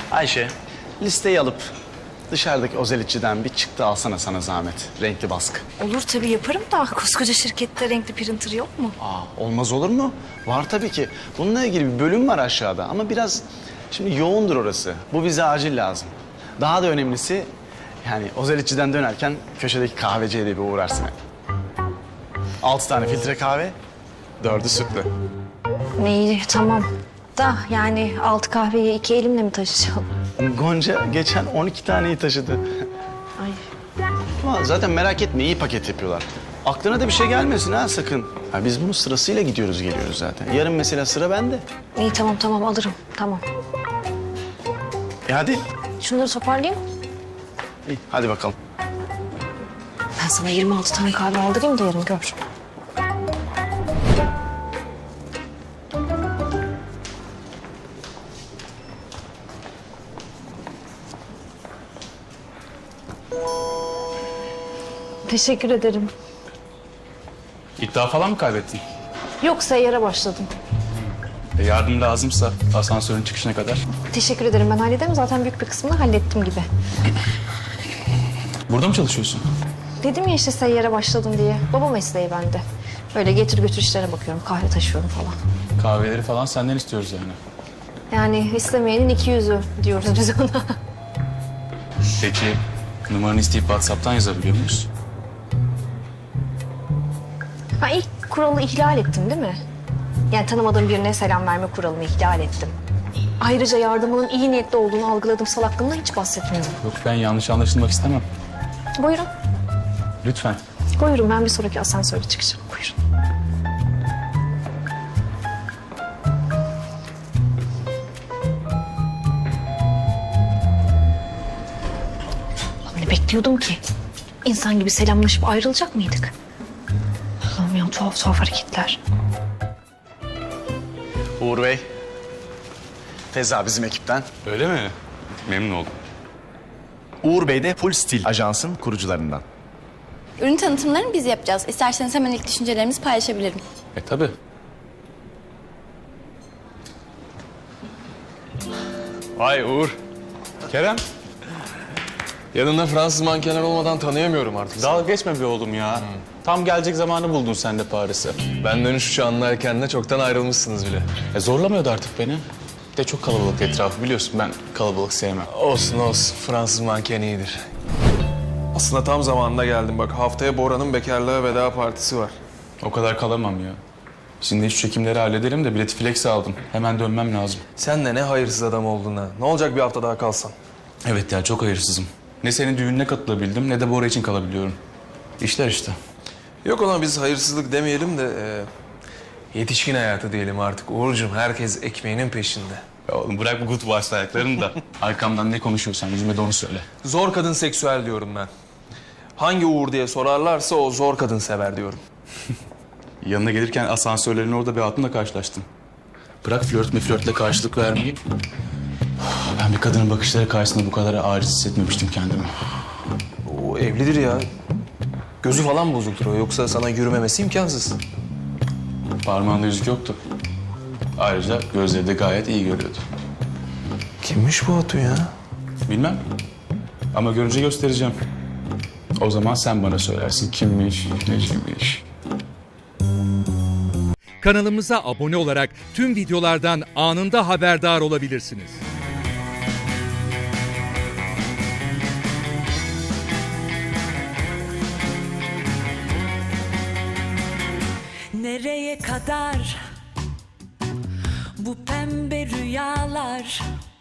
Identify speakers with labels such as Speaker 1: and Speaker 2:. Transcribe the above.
Speaker 1: Ayşe, listeyi alıp dışarıdaki ozelitçiden bir çıktı alsana sana zahmet. Renkli baskı.
Speaker 2: Olur tabii yaparım da koskoca şirkette renkli printer yok mu?
Speaker 1: Olmaz olur mu? Var tabii ki. Bununla ilgili bir bölüm var aşağıda ama biraz şimdi yoğundur orası. Bu bize acil lazım. Daha da önemlisi yani ozelitçiden dönerken köşedeki kahveciye de bir uğrarsın. 6 tane filtre kahve, 4'ü sütlü.
Speaker 2: İyi tamam. Da yani 6 kahveyi 2 elimle mi taşıyacağım?
Speaker 1: Gonca geçen 12 taneyi taşıdı.
Speaker 2: Ay.
Speaker 1: Ama zaten merak etme iyi paket yapıyorlar. Aklına da bir şey gelmesin ha sakın. Ha, biz bunu sırasıyla gidiyoruz geliyoruz zaten. Yarın mesela sıra bende.
Speaker 2: İyi tamam alırım tamam.
Speaker 1: Hadi.
Speaker 2: Şunları toparlayayım.
Speaker 1: İyi, hadi bakalım.
Speaker 2: Ben sana 26 tane kahve aldırayım da yarın gör. Teşekkür ederim.
Speaker 3: İddia falan mı kaybettin?
Speaker 2: Yok seyyara başladım.
Speaker 3: Yardım lazımsa asansörün çıkışına kadar.
Speaker 2: Teşekkür ederim ben hallederim. Zaten büyük bir kısmını hallettim gibi.
Speaker 3: Burada mı çalışıyorsun?
Speaker 2: Dedim ya işte seyyara başladım diye. Baba mesleği bende. Böyle getir götür işlerine bakıyorum. Kahve taşıyorum falan.
Speaker 3: Kahveleri falan senden istiyoruz yani.
Speaker 2: Yani istemeyenin 200'ü diyoruz biz ona.
Speaker 3: Peki numaranı isteyip WhatsApp'tan yazabiliyor muyuz?
Speaker 2: Ha ilk kuralı ihlal ettim değil mi? Yani tanımadığım birine selam verme kuralını ihlal ettim. Ayrıca yardımının iyi niyetli olduğunu algıladığım salaklığımdan hiç bahsetmiyorum.
Speaker 3: Yok ben yanlış anlaşılmak istemem.
Speaker 2: Buyurun.
Speaker 3: Lütfen.
Speaker 2: Buyurun ben bir sonraki asansöre çıkacağım. Buyurun. Öyle bekliyordum ki. İnsan gibi selamlaşıp ayrılacak mıydık? Allah'ım ya tuhaf hareketler.
Speaker 1: Uğur Bey. Feza bizim ekipten.
Speaker 3: Öyle mi? Memnun oldum.
Speaker 4: Uğur Bey de Full Stil Ajans'ın kurucularından.
Speaker 5: Ürün tanıtımlarını biz yapacağız. İsterseniz hemen ilk düşüncelerimizi paylaşabilirim.
Speaker 3: Tabii.
Speaker 6: Vay Uğur.
Speaker 3: Kerem.
Speaker 6: Yanında Fransız mankenler olmadan tanıyamıyorum artık.
Speaker 3: Dalga geçme be oğlum ya. Tam gelecek zamanı buldun sen de Paris'e.
Speaker 6: Ben dönüş uçağının erkeninde çoktan ayrılmışsınız bile.
Speaker 3: Zorlamıyordu artık beni. Bir de çok kalabalık etrafı biliyorsun ben kalabalık sevmem.
Speaker 6: Olsun. Fransız manken iyidir. Aslında tam zamanında geldim. Bak haftaya Bora'nın bekarlığa veda partisi var.
Speaker 3: O kadar kalamam ya. Şimdi şu çekimleri halledelim de bileti flex aldım. Hemen dönmem lazım.
Speaker 6: Sen de ne hayırsız adam oldun ha. Ne olacak bir hafta daha kalsan?
Speaker 3: Evet ya çok hayırsızım. Ne senin düğününe katılabildim ne de Bora için kalabiliyorum. İşler işte.
Speaker 6: Yok ona biz hayırsızlık demeyelim de... yetişkin hayatı diyelim artık. Uğurcuğum herkes ekmeğinin peşinde.
Speaker 3: Ya oğlum bırak bu good vibes ayaklarını da. Arkamdan ne konuşuyorsan yüzüme de onu söyle.
Speaker 6: Zor kadın seksüel diyorum ben. Hangi Uğur diye sorarlarsa o zor kadın sever diyorum.
Speaker 3: Yanına gelirken asansörlerin orada bir hatunla karşılaştım. Bırak flörtle karşılık vermeyi. Ben bir kadının bakışları karşısında bu kadar aciz hissetmemiştim kendimi.
Speaker 6: O evlidir ya. Gözü falan bozuktur o. Yoksa sana yürümemesi imkansız.
Speaker 3: Parmağında yüzük yoktu. Ayrıca gözleri de gayet iyi görüyordu.
Speaker 6: Kimmiş bu Hatun ya?
Speaker 3: Bilmem. Ama görünce göstereceğim. O zaman sen bana söylersin kimmiş, neciymiş.
Speaker 7: Kanalımıza abone olarak tüm videolardan anında haberdar olabilirsiniz.
Speaker 8: Nereye kadar bu pembe rüyalar?